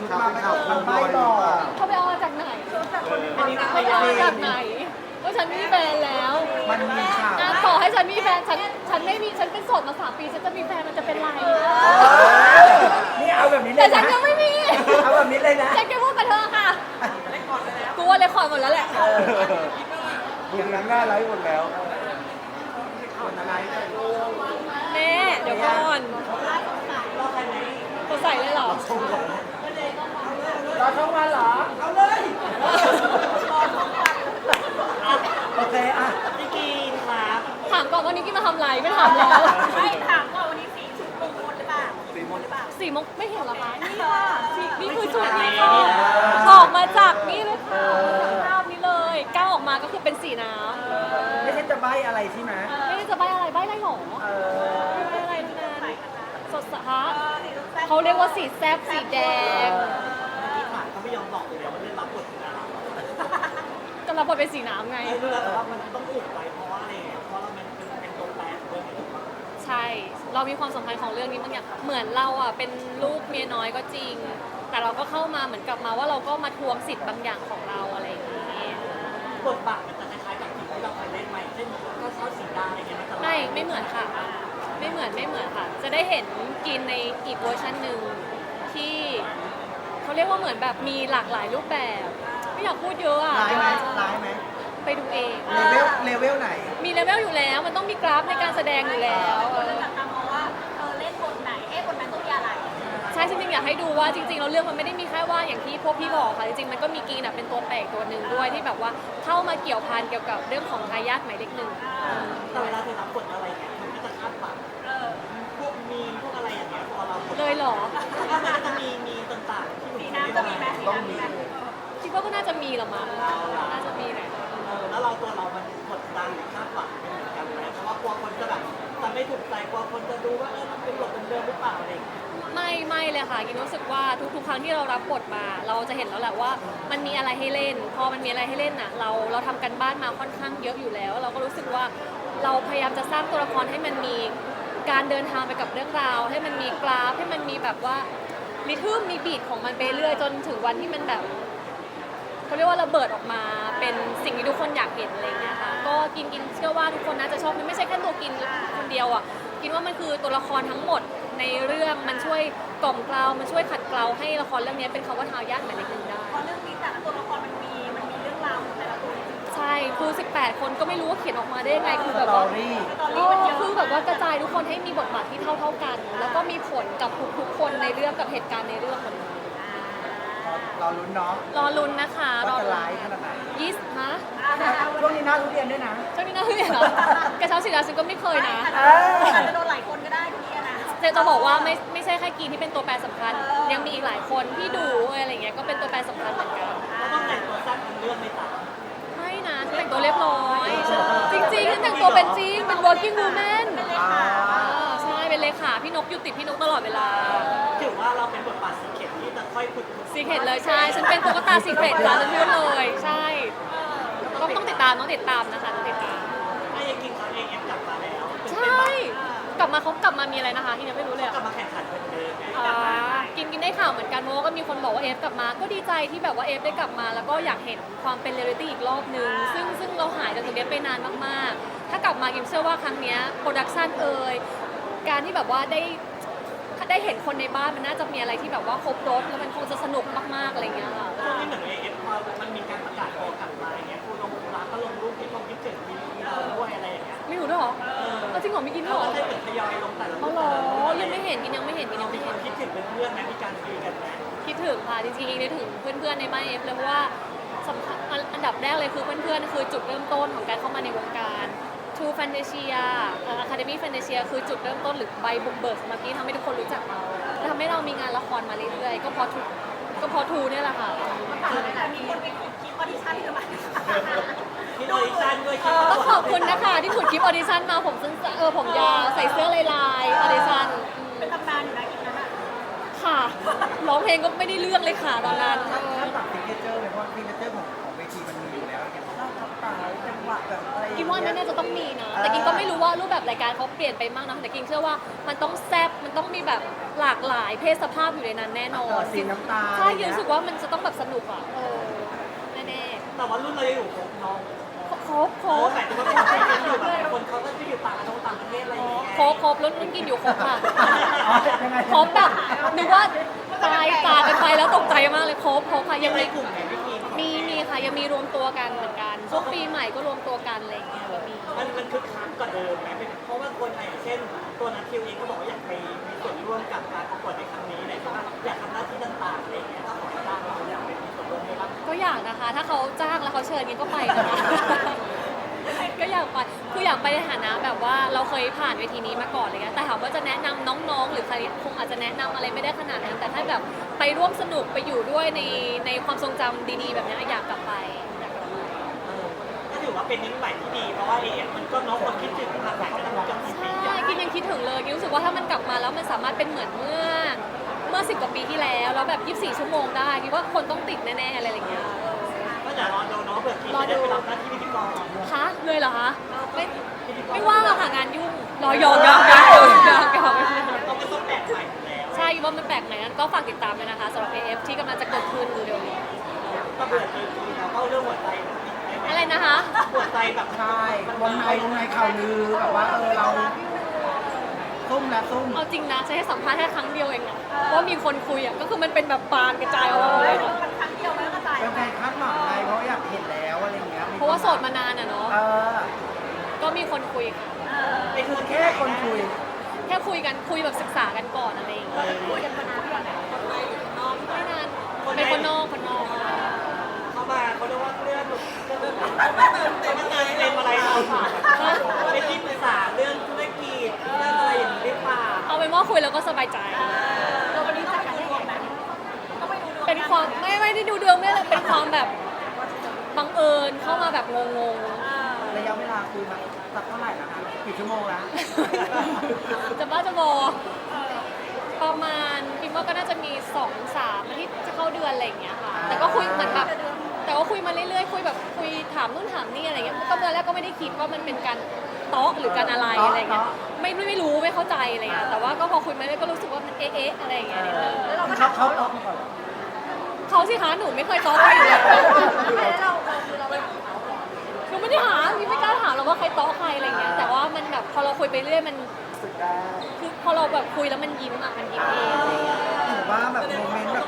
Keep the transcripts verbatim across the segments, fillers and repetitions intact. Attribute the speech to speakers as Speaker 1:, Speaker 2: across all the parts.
Speaker 1: ชุดมาไปเอาคนใบ้บอก
Speaker 2: เขาไปเอามาจากไหนเขาไปเอามาจากไหนว่าฉันมีแฟนแล้ว
Speaker 1: มันมีข่าว
Speaker 2: อ่ะต่อให้ฉันมีแฟนฉันฉันไม่มีฉันเป็นโสดมาสามปีฉันจะมีแฟนมันจะเป็นไร
Speaker 1: นี่เอาแบบนี้เล
Speaker 2: แต่
Speaker 1: ย
Speaker 2: ฉั
Speaker 1: นะ
Speaker 2: นยังไม่มี
Speaker 1: เอาแบบนี้เลยนะ
Speaker 2: ฉันแค่พูดกับเธอค่ะกูว่าเลยคอร์ดหมดแล้วแหละ
Speaker 1: อย่างนั้นหน้าไลฟ์หมดแล้วคนอะไร
Speaker 2: แม่เดี๋ยวก่อนตัวใส่เลยเหรอ
Speaker 1: รอช่องวันเหรอ เอาเลยโอเคอ่ะ
Speaker 3: พี่กีนครับ
Speaker 2: ถามก่อนวันนี้กินมาทำไรไม่ถามแล้ว
Speaker 3: ไม่ถามก่อนวันนี้สีชุดมงคลหรือเปล่า
Speaker 1: สีมนต์
Speaker 2: สี่โมงไม่เห็นเหรอคะนี่ค่ะสี่นี่คือชุดนี้ค่ะออกมาจากนี่เลยค่ะจากภาพนี้เลยก้าวออกมาก็คือเป็นสีน้
Speaker 1: ไม่ใช่จะใบ้อะไรใช่ไหม
Speaker 2: ำไม่ได้จะใบอะไรใบอะไรหรอ
Speaker 1: เออ
Speaker 2: ใบอะไรทั้งนั้นสดสะฮะเขาเรียกว่าสีแซบสีแดง
Speaker 3: ที่ผ่านเขาไม่ยอมบอกเลยว่าเล่นรับบทเป็นอะไร
Speaker 2: ก็รับบทเป็นสีน้ำไง
Speaker 3: ไอ้เรื่องว่ามันต้องอุบไว้เพราะว่าอะไรเพราะเรามันเป็นตัวแปรของเรื่องนี้
Speaker 2: ใช่ เรามีความสำคัญของเรื่องนี้บางอย่าง เหมือนเราอ่ะเป็นลูกเมียน้อยก็จริง แต่เราก็เข้ามาเหมือนกับมาว่าเราก็มาทวงสิทธิ์บางอย่างของเราอะไรอย่างนี้
Speaker 3: บทบาทมันจะคล้ายๆกับสิ่งที่เราเคยเล่นมาเช่นก็เช่าสีดาอะไรเงี้ยมันจะ
Speaker 2: ไม่ ไม่เหมือนค่ะ ไม่เหมือน ไม่เหมือนค่ะ จะได้เห็นกินในอีกเวอร์ชันหนึ่งที่เขาเรียกว่าเหมือนแบบมีหลากหลายรูปแบบ ไม่อยากพูดเยอะอ่ะ
Speaker 1: ร้ายไหมร้ายไหม
Speaker 2: ไปดูเอง
Speaker 1: เลเวลเลเวลไหน
Speaker 2: มีเลเวลอยู่แล้ว มันต้องมีกราฟในการแสดงอยู่แล้วเออ
Speaker 4: จากการมองว่าเออเล่นบทไหนเอ๊ะบทนั้นต้องมีอะไร
Speaker 2: ใช่จริงๆอยากให้ดูว่าจริงๆเราเรื่องมันไม่ได้มีแค่ว่าอย่างที่พวกพี่บอกค่ะจริงๆมันก็มีกรีนอะเป็นตัวแปลกตัวหนึ่งด้วยที่แบบว่าเข้ามาเกี่ยวพันเกี่ยวกับเรื่องของทายาทหมายเลขหนึ่ง
Speaker 3: แต่เวลาเธอรับบทอะไรเนี่ยมันก็จะคาดฝันพวกมีพวกอะไรอย่างเงี้ยพอเรา
Speaker 2: เลยเหรอ
Speaker 3: มันก็จะมีมีต่างๆที่
Speaker 4: สีน้ำก็มีไหมสีน้ำมีไหม
Speaker 2: คิดว่าก็น่าจะมีละมั้งน่าจะมีแหละ
Speaker 3: แล้วเราตัวเรามันกดดันหรือคาดหวังเป็นเหมือนกันไหมเพราะว่ากลัวคนจะแบบจะไม่ถูกใจกลัวคนจะดูว่าเออมันเป็นบทเดิมหรือเปล่าอะไรอย่างเงี้ย
Speaker 2: ไม่ไม่เลยค่ะกินรู้สึกว่าทุกๆ ครั้งที่เรารับบทมา เราจะเห็นแล้วแหละว่ามันมีอะไรให้เล่น พอมันมีอะไรให้เล่นน่ะเราเราทำกันบ้านมาค่อนข้างเยอะอยู่แล้ว เราก็รู้สึกว่าเราพยายามจะสร้างตัวละครให้มันมีการเดินทางไปกับเรื่องราว ให้มันมีกราฟให้มันมีแบบว่าริทึมมีบีทของมันไปเรื่อยจนถึงวันที่มันแบบเขาเรียกว่าระเบิดออกมาเป็นสิ่งที่ทุกคนอยากเห็นอะไรอย่างเงี้ยค่ะก็กินกินเชื่อว่าทุกคนน่าจะชอบมันไม่ใช่แค่ตัวกินคนเดียวอ่ะกินว่ามันคือตัวละครทั้งหมดในเรื่องมันช่วยกล่อมเกลามันช่วยขัดเกลาให้ละครเรื่องนี้เป็นคำว่าทายาทหมายเลขหนึ่งได้
Speaker 4: เพราะเรื่องนี้แต่ละตัวละครมันมีมันมีเรื่องราวของแต่ละตัวจริง
Speaker 2: ใช่คือสิบแปดคนก็ไม่รู้ว่าเขียนออกมาได้ยังไงคือ
Speaker 1: ส
Speaker 2: แบบ
Speaker 1: ตอ
Speaker 2: ว่า
Speaker 1: รี่
Speaker 4: ๆตอน
Speaker 2: เอ
Speaker 4: นี้
Speaker 2: อ
Speaker 4: มันเยอะ
Speaker 2: คือแบบว่ากระจายทุกคนให้มีบทบาทที่เท่าเท่าๆกัน แล้วก็มีผลกับทุกๆคนในเรื่องกับเหตุการณ์ในเรื่องหมดเลย
Speaker 1: รอลุ้นเนาะ
Speaker 2: รอลุ้นนะคะร
Speaker 1: ว่า
Speaker 2: อ
Speaker 1: จะ
Speaker 2: ลุ้น
Speaker 1: ร้ายขนาดไหน
Speaker 2: ยี่สิบฮะ
Speaker 1: ช่วงนี้หน้าทุเรียนด้วยนะ
Speaker 2: ช่วงนี้น่าเรียนเหรอกระเช้าสีดาฉันก็ไม่เคยนะ
Speaker 4: อาจจะโดนหลายคนก็ได้ทีนี้นะ
Speaker 2: เจจะบอกว่าไม่ไม่ใช่แค่กีนที่เป็นตัวแปรสำคัญ ยังมีอีกหลายคนที่ดูอะไรอย่างเงี้ยก็เป็นตัวแปรสำคัญเหมือนกัน
Speaker 3: เราต้องแต่งตัวสั้นเป็นเรื่องไม่ต่าง
Speaker 2: ไม่นะฉันแต่งตัวเรียบร้อยจริงๆฉันแต่งตัวเป็นจริงเป็น working woman
Speaker 1: อ่า
Speaker 2: อ่าใช่เป็นเลขาพี่นกอยู่ติดพี่นกตลอดเวลา
Speaker 3: ถือว่าเราเป็นบทบาทสีเข็มที่จะค่อยฝึก
Speaker 2: ซีเครตเลยใช่ ฉันเป็นตุ๊กตาซีเครตค่ะฉันพูดเลยใช่ต้องต้องติดตามต้องติดตามนะคะต้องติดตาม
Speaker 3: ถ้ายังกินเขาเองยังกลับมาแล้ว
Speaker 2: ใช่ กลับมาเขากลับมามีอะไรนะคะที่ยังไม่รู้เลย
Speaker 3: กลั
Speaker 2: อะ
Speaker 3: บมาแข่งขันเหมือนเดิม
Speaker 2: อ่ากินกินได้ข่าวเหมือนกันเพราะว่าก็มีคนบอกว่าเอฟกลับมาก็ดีใจที่แบบว่าเอฟได้กลับมา แล้วก็อยากเห็นความเป็นเรียลลิตี้อีกรอบนึงซึ่งซึ่งเราหายจากตรงนี้ไปนานมากๆ ถ้ากลับมากิมเชื่อว่าครั้งเนี้ยโปรดักชันเอ่ยการที่แบบว่าได้ได้เห็นคนในบ้านมันน่าจะมีอะไรที่แบบว่าครบรถแล้วมันคงจะสนุกมากๆอะไรเงี้ยค่ะ
Speaker 3: ช่วงนี้เหมือนเอฟพอมันมีการประกาศโอกลับมาอย่างเงี้ยคุณลงร้านก็ลงรูปที่ลงคิดถึงมีเราด้วยอะไรอย่างเงี้ย
Speaker 2: ไม่รู้ด้วยเหรอเอาจริงเหรอไม่กินเหร
Speaker 3: เรา
Speaker 2: อ
Speaker 3: ก็ได้เหมือนทยอยลงแต่ละรู
Speaker 2: เอา
Speaker 3: ป
Speaker 2: เหรอ
Speaker 3: แต่ละรูป
Speaker 2: ยังไม่เห็นกินยังไม่เห็นกินยังไม่เห็น
Speaker 3: คิดถึงเพื่อนๆไหมมีการคุยกันไหม
Speaker 2: คิดถึงค่ะจริงๆนึกถึงเพื่อนๆในบ้านเอฟเลยเพราะว่าสำคัญอันดับแรกเลยคือเพื่อนๆคือจุดเริ่มต้นของการเข้ามาในวงการ True Fantasia Academy Fantasia คือจุดเริ่มต้นหรือใบบุกเบิกสำหรับที่ทำให้ทุกคนรู้จักเราและทำให้เรามีงานละครมาเรื่อยๆก็เพราะทูก็เพราะทูเนี่ยแหละค่ะ
Speaker 4: แต่มีคนไปขุดคลิปออดิชั่นกันมา
Speaker 3: คิดออดิชั่นด้วยคิด
Speaker 2: ต้องขอบคุณนะคะที่ขุดคลิปออดิชั่นมาผมสั้นเออผมยาวใส่เสื้อลายๆออดิชั่น
Speaker 4: เป็นตำนานอยู่นะคลิปนั้นอะ
Speaker 2: ค่ะร้องเพลงก็ไม่ได้เรื่องเลยค่ะตอนนั้น
Speaker 1: ถ้าถ้าปรับฟิกเจอร์ไหมเพราะฟิกเจอร์ของของเวทีมันมีอยู่แล้วเนี่ยถ้าป
Speaker 3: สายจังหวะแบบอะไร
Speaker 2: กินว่าน่าจะต้องมีนะ แต่กินก็ไม่รู้ว่ารูปแบบรายการเขาเปลี่ยนไปมากนะแต่กินเชื่อว่ามันต้องแซ่บมันต้องมีแบบหลากหลายเพศสภาพอยู่ในนั้นแน่นอน
Speaker 3: สีน้ำตาล
Speaker 2: ใช่กินรู้สึกว่ามันจะต้องแบบสนุกอ่ะเออแน่
Speaker 3: แต่ว่ารุ่นเรายังอยู่ครบน้อง
Speaker 2: ๆครบค
Speaker 3: โอ้
Speaker 2: รบ
Speaker 3: หมายถึงว่าคนที่ยังอยู่แบบคนเขาก็จะอยู่ต่างประเทศต่างประเทศอะไรอย่างเงี้ย
Speaker 2: ครบครบรุ่นรุ่นกินอยู่ครบค่ะ
Speaker 3: อ๋อยังไง
Speaker 2: ครบแบบนึกว่าตายตากันไปแล้วตกใจมากเลยครบครบค่ะ
Speaker 3: ยั
Speaker 2: ยัง ง
Speaker 3: ใน
Speaker 2: มี
Speaker 3: กลุ่มไหนไม่มี
Speaker 2: มีมีค่ะยังมีรวมตัวกันเหมือนกันช่วงปีใหม่ก็รวมตัวกันอะไรอย่างเงี้ยก็มี
Speaker 3: มันมันคึกคักกว่าเดิมไหมเพราะว่าคนไทยอย่างเช่น ตัวนัททิวเองก็บอกว่าอยากไปมีส่วนร่วมกับการประกวดในครั้งนี้เลยใช่ไหมอยากทำหน้าที่ต่างๆอะไรอย่างเงี้ยถ้าขอจ้างเราอยากไปมีส่วนร่วมไหมบ้าง
Speaker 2: ก็อยากนะคะ ถ้าเขาจ้างแล้วเขาเชิญกินก็ไปนะคะ ก็อยากไปคืออยากไปในฐานะแบบว่าเราเคยผ่านเวทีนี้มาก่อนเลยนะแต่ถามว่าจะแนะนำน้องๆ หรือใครคงอาจจะแนะนำอะไรไม่ได้ขนาดนั้น แต่ถ้าแบบไปร่วมสนุกไปอยู่ด้วยในในความทรงจำดีๆ แบบนี้อยากกลับไปอยากกลับไป
Speaker 3: ก็ถือว่าเป็นนิมิตใหม่ที่ดีเพราะว่าเอเอฟมันก็น้องคนคิดถึงภาษากันมาจนกี่ปี
Speaker 2: ใช่กินยังคิดถึงเลยกินรู้สึกว่าถ้ามันกลับมาแล้วมันสามารถเป็นเหมือนเมื่อเมื่อสิบกว่าปีที่แล้วแล้วแบบยี่สิบสี่ชั่วโมงได้คิดว่าคนต้องติดแน่ๆอะไรอย่างเงี้ย
Speaker 3: ก็อย่ารอดูเนาะเผื่อทีจะได้ไปรับหน้าที่พิธีกร
Speaker 2: คะเลยเหรอคะไม่ไม่ว่างอะค่ะงานยุ่งรอยองยองยองยองยอง
Speaker 3: ก็ไม่ต้องแปลกใหม่อยู่แล้ว
Speaker 2: ใช่ว่ามันแปลกไหนนั้นก็ฝากติดตามเลยนะคะสำหรับ เอ เอฟ ที่กำลังจะเกิดขึ้นเร็วๆนี้
Speaker 3: ก็เบื่อทีทีแล้วเข้าเรื่องหัวใจ
Speaker 2: อะไรนะคะ
Speaker 3: หัวใจแบบ
Speaker 5: ใช่วงในวงในข่าวลือแบบว่าเออเราซุ่มและซุ่ม
Speaker 2: เอาจริงนะใช้ให้สัมภาษณ์แค่ครั้งเดียวเองอะว่ามีคนคุยอะก็คือมันเป็นแบบปานกระจายออกมาเลยอะ
Speaker 4: มันครั้งเดียวมันก็ตาย
Speaker 5: เป็นแฟนคาดหวังไงเพราะอยากเห็นแล้วอะไรอย่างเงี้ยมี
Speaker 2: เพราะว่าโสดมานานอะเนาะ
Speaker 5: เออ
Speaker 2: ก็มีคนคุยค่ะ
Speaker 3: เป็นคน
Speaker 5: แค่คนคุย
Speaker 2: แค่คุยกันคุยแบบศึกษากันก่อนอะไรอย่างเงี้ย
Speaker 4: คุยกันมานานก่อนไหน
Speaker 2: ไม่นานเป็นคนนอกคนนอก
Speaker 3: เข้ามาเขาเรียกว่าเรื่องเรื่องแต่มันเติมเต็มอะไรเราเป็นที่ปรึกษาเรื่องธุรกิจเรื่องอะไรอย่างนี้หรือเปล่า
Speaker 2: เอาเป็นว่าคุยแล้วก็สบายใจ
Speaker 4: เราวันนี้จัดการได้เองไหมก็ไม่ดูดวง
Speaker 2: เป็นความไม่ไม่ได้ดูดวงไม่เลยเป็นความแบบบังเอิญเข้ามาแบบงงๆ
Speaker 5: ระยะเวลาคุยมาสักเท่าไหร่แล้วคะกี่ชั่วโมงแล้ว
Speaker 2: จะบ้าจะบอประมาณคิดว่าก็น่าจะมีสองสามอาที่จะเข้าเดือนอะไรอย่างเงี้ยค่ะ แต่ก็คุยเหมือนแบบแต่ก็คุยมาเรื่อยๆคุยแบบคุยถามนู่นถามนี่อะไรเงี้ยก็ตอนแรกก็ไม่ได้คิดว่ามันเป็นการเตาะหรือการอะไรอะไรเงี้ยไม่ไม่ไม่รู้ไม่เข้าใจอะไรเงี้ยแต่ว่าก็พอคุยมาเรื่อยๆก็รู้สึกว่ามันเอ๊ะๆอะไรอย่างเงี้ยนิดนึง
Speaker 4: แล้วเราก็
Speaker 5: เขา
Speaker 4: ถาม
Speaker 5: เขา
Speaker 4: เขา
Speaker 5: เขาก่อน
Speaker 2: เขาสิคะหนูไม่เคยเตาะใครอยู่แล้ว
Speaker 4: แล้วเราเราคือเราไปถามเขาก่อน
Speaker 2: หนูไม่ได้หาพี่ไม่กล้าถามหรอกว่าใครเตาะใครอะไรเงี้ยแต่ว่ามันแบบพอเราคุยไปเรื่อยมัน
Speaker 5: สุดได้
Speaker 2: คือพอเราแบบคุยแล้วมันยิ้มอะมันยิ้มเองอะไรเงี้ย
Speaker 5: ถือว่าแบบโมเมนต์แบบ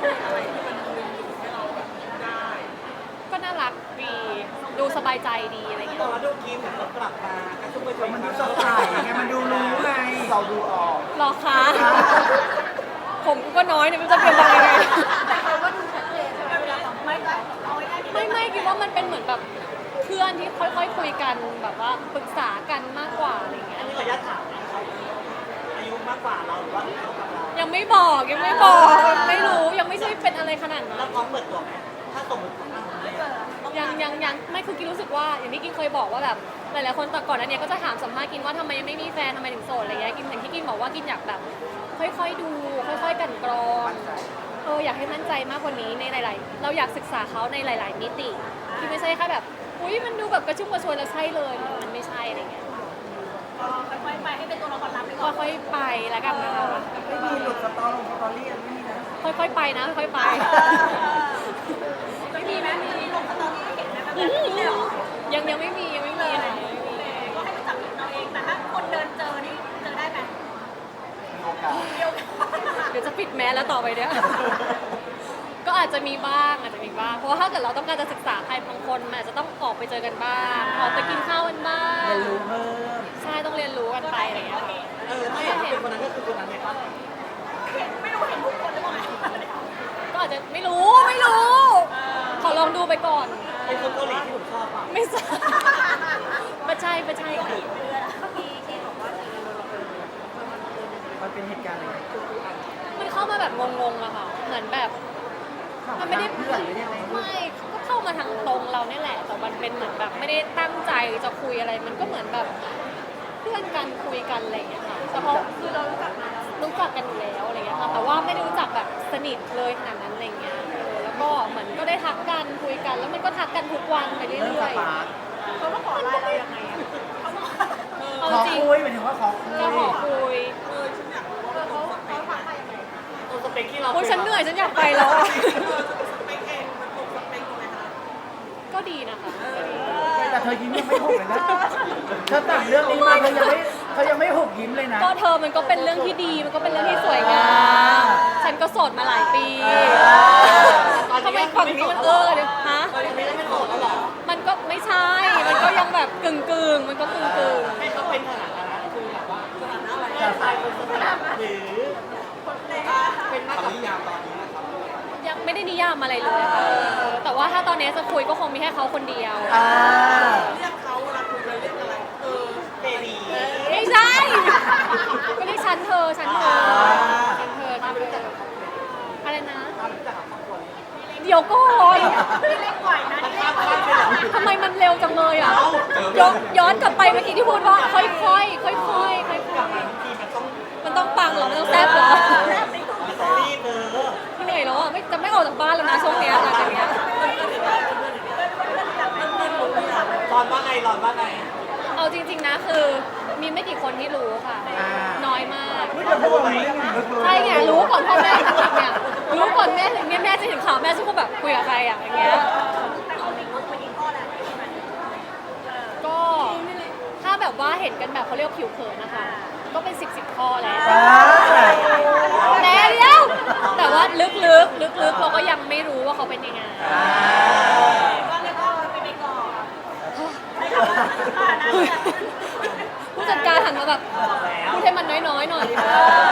Speaker 2: ก็น่ารักดีดูสบายใจดีอะไรเงี้ย
Speaker 3: แต่ว่าดูทีมเหมือนเรากลับมากระชุ่มกระชวย
Speaker 5: มันดูสดใสไงมันดูรู้ไงเราดูออก
Speaker 2: หรอคะผมก็น้อยเนี่ยมันจะเป็นยังไง
Speaker 4: แต่เขาก็ดูชัดเจนใช่ไหมเวลาสัมภาษณ์ไม่เอาง่ายๆ
Speaker 2: ไม่ไม่คิดว่ามันเป็นเหมือนแบบเพื่อนที่ค่อยๆคุยกันแบบว่าปรึกษากันมากกว่าอะไรเงี้
Speaker 3: อั
Speaker 2: ย
Speaker 3: นนี้ขออนุญาตถามนะเขาอายุมากกว่าเราหรือว่าเท่ากับเรา
Speaker 2: ยังไม่บอกยังไม่บอกไม่รู้ยังไม่ใช่เป็นอะไรขนาดนั้
Speaker 3: แล้
Speaker 2: น
Speaker 3: วพร้อมเปิดตัวไหมถ้าสมมติของเราเนี่ย
Speaker 2: ยังยังยังไม่คือกินรู้สึกว่าอย่างที่กินเคยบอกว่าแบบหลายๆคนแต่ก่อนอันเนี้ยก็จะถามสัมภาษณ์กินว่าทำไมยังไม่มีแฟนทำไมถึงโสดอะไรเงี้ยกินอย่างที่กินบอกว่ากินอยากแบบ ค่อยๆดู ค่อยๆกลันกรองเอออยากให้มั่นใจมากกว่านี้ในหลาย ๆ เราอยากศึกษาเขาในหลาย ๆ มิติที่ไม่ใช่แค่แบบอุ้ยมันดูแบบกระชุ่มกระชวยแล้วใช่เลยมันไม่ใช่อะไรเงี้ย
Speaker 4: ค่อยๆไปให้เป็นตัวละครลับดีกว่า
Speaker 2: ค่อยๆไปแล้วกันนะคะ
Speaker 5: ไม่มีหลุดสตอรี่สตอรี่อะไรไม่มีนะ
Speaker 2: ค่อยๆไปนะค่อยๆไป
Speaker 4: ไม่มีไหมมีลงสตอรี่ให้เห็นไหมแบบนี้เหรอ
Speaker 2: ยังยังไม่มียังไม่มีค่ะยังไม่มี
Speaker 4: ก็ให้ไปจับผิดเราเองแต่ถ้าคนเดินเจอนี่เจอได้ไหม
Speaker 5: มีโอกาส
Speaker 4: เดียว
Speaker 2: เดี๋ยวจะปิดแมสแล้วต่อไปเนี่ย ก็อาจจะมีบ้างอาจจะมีบ้างเพราะว่าถ้าเกิดเราต้องการจะศึกษาใครบางคนมันอาจจะต้องออกไปเจอกันบ้างออกไปกินข้าวกันบ้าง
Speaker 5: เรียนรู้เพิ่ม
Speaker 2: ใช่ต้องเรียนรู้กันไปอะไรอย่างเงี้ยค่ะ
Speaker 3: เออถ้าเห็นว่าเป็นคนนั้นก็คือคนนั้นไงป้า
Speaker 4: เห็นไม่รู้เห็นทุกคนหรือเปล่า
Speaker 2: ก็อาจจะไม่รู้ไม่รู้ ขอลองดูไปก่อน
Speaker 3: เป็นคนเกาหลีที่ผมชอบป่ะ
Speaker 2: ไม่ใช่ไม่ใช่ไม่ใช่ค่ะ
Speaker 4: มีเคสบอกว่า
Speaker 5: มันเป็นเหตุการณ์อะไร
Speaker 2: มันเข้ามาแบบงงๆอะค่ะ เหมือนแบบ มันไม่ได้
Speaker 5: เพื่อนหรือยังไง
Speaker 2: ไม่ก็เข้ามาทางตรงเราเนี่ยแหละ แต่มันเป็นเหมือนแบบไม่ได้ตั้งใจจะคุยอะไร มันก็เหมือนแบบเพื่อนกันคุยกันอะไรอย่างเงี้ยค่ะแต่พอคือเรารู้จักมาแล้วรู้จักกันอยู่แล้วอะไรเงี้ยค่ะ แต่ว่าไม่ได้รู้จักแบบสนิทเลยขนาดนั้นอะไรเงี้ยเออแล้วก็เหมือนก็ได้ทักกันคุยกัน แล้วมันก็ทักกันทุกวันไปเรื่
Speaker 5: เรื่องส
Speaker 2: อย
Speaker 5: ปาร์ค
Speaker 2: ๆ
Speaker 4: เขามาขอไลน์เรายังไงอะเขามา
Speaker 2: เอา
Speaker 5: ขอ
Speaker 2: จริง
Speaker 5: คุยหมายถึงว่าขอคุย
Speaker 2: ก็ขอคุย
Speaker 4: เออฉันอยากรู้ว่าเขาเขาทักมายังไง
Speaker 3: ตัวสเปคที่เรา
Speaker 2: โอ้ยฉันเหนื่อยฉันอยากไปแล้วอะ
Speaker 4: สเปคเองมันตรงสเปคไหมคะ
Speaker 2: ก็ดีนะคะก็ดี
Speaker 5: แต่เธอยิ้มยังไม่หุบเลยนะเธอแต่งเรื่องนี้มาเธอยังไม่เธอยังไม่หุบยิ้มเลยนะ
Speaker 2: ก็เธอมันก็เป็นเรื่องที่ดีมันก็เป็นเรื่องที่สวยงาม ฉันก็โสดมาหลายปีทำไมฝั่งนี้มันเออเลยฮะ
Speaker 3: ตอนนี้ไม่ได้ไม่โสดแล้วหรอ
Speaker 2: มันก็ไม่ใช่ มันก็ยังแบบกึ่งกึ่งๆมันก็กึ่งกึ่ง
Speaker 3: ให้เขาเป็นสถานะคือแบบว่าสถานะอะไรแค่ชายคนสนิทหรือเป็นมากกว่านิยามตอนนี้นะครับ
Speaker 2: ๆยังไม่ได้นิยามอะไรเลยค่ะแต่ว่าถ้าตอนนี้จะคุยก็คงมีแค่เขาคนเดียว
Speaker 5: อ่า
Speaker 4: เรียกเขาเวลาคุยเราเรียกอะไรเออ
Speaker 3: เบบี
Speaker 2: ไม่ใช่ ก็เรียกฉันเธอฉันเธอฉันเธอฉันเธออะไรนะ
Speaker 3: รู้จักกับครอบครัวนี้
Speaker 2: เดี๋ยวก่อน
Speaker 4: พี่เล็กบ่อยนะ
Speaker 3: มัน
Speaker 4: นี่
Speaker 3: ข้ามขั้นไปเหรอ
Speaker 2: ทำไมมันเร็วจังเลยอ่ะย้อนย้อนกลับไปเมื่อกี้ที่พูดว่าค่อยๆค่อยๆค่อยๆค่อย
Speaker 3: กลับมาทุกทีมันต้อง
Speaker 2: ๆมันต้องปังเหรอมันต้องแซ่บเหรอ
Speaker 3: มันต้องรีบเออ
Speaker 2: เหนื่อยแล้วอ่ะไม่จะไม่ออกจากบ้านแล้วนะช่วงเนี้ยหลังจากเนี้ย
Speaker 3: รอนว่าไงรอนว่าไง
Speaker 2: เอาจริง ๆนะคือมีไม่กี่คนที่รู้ค่ะ น้อยมาก
Speaker 5: ไม่จะพูดอะไรเรื่องนี้ลึกเลย
Speaker 2: ใช่ไงรู้ก่อนพ่อแม่จริงๆเนี่ยรู้ก่อนแม่ถึงเนี่ยแม่จะเห็นข่าวแม่จะก็แบบคุยกับใครอ่ะอย่างเงี้ย
Speaker 4: แต่เอาจริงก็เป็นอีกข้อแหละที่มัน
Speaker 2: ก็ถ้าแบบว่าเห็นกันแบบเขาเรียกผิวเผินนะคะ ก็เป็นสิบสิบข้อแล้ว
Speaker 5: อ่า
Speaker 2: แต่เดียวแต่ว่าลึกๆลึกๆเราก็ยังไม่รู้ว่าเขาเป็นยังไง
Speaker 4: ก็เรียกว่าเป็นอีกก่อนไม่คำว่าอ่านะ
Speaker 2: ผู้จัดการหันมาแบบพูดให้มันน้อยๆหน่อย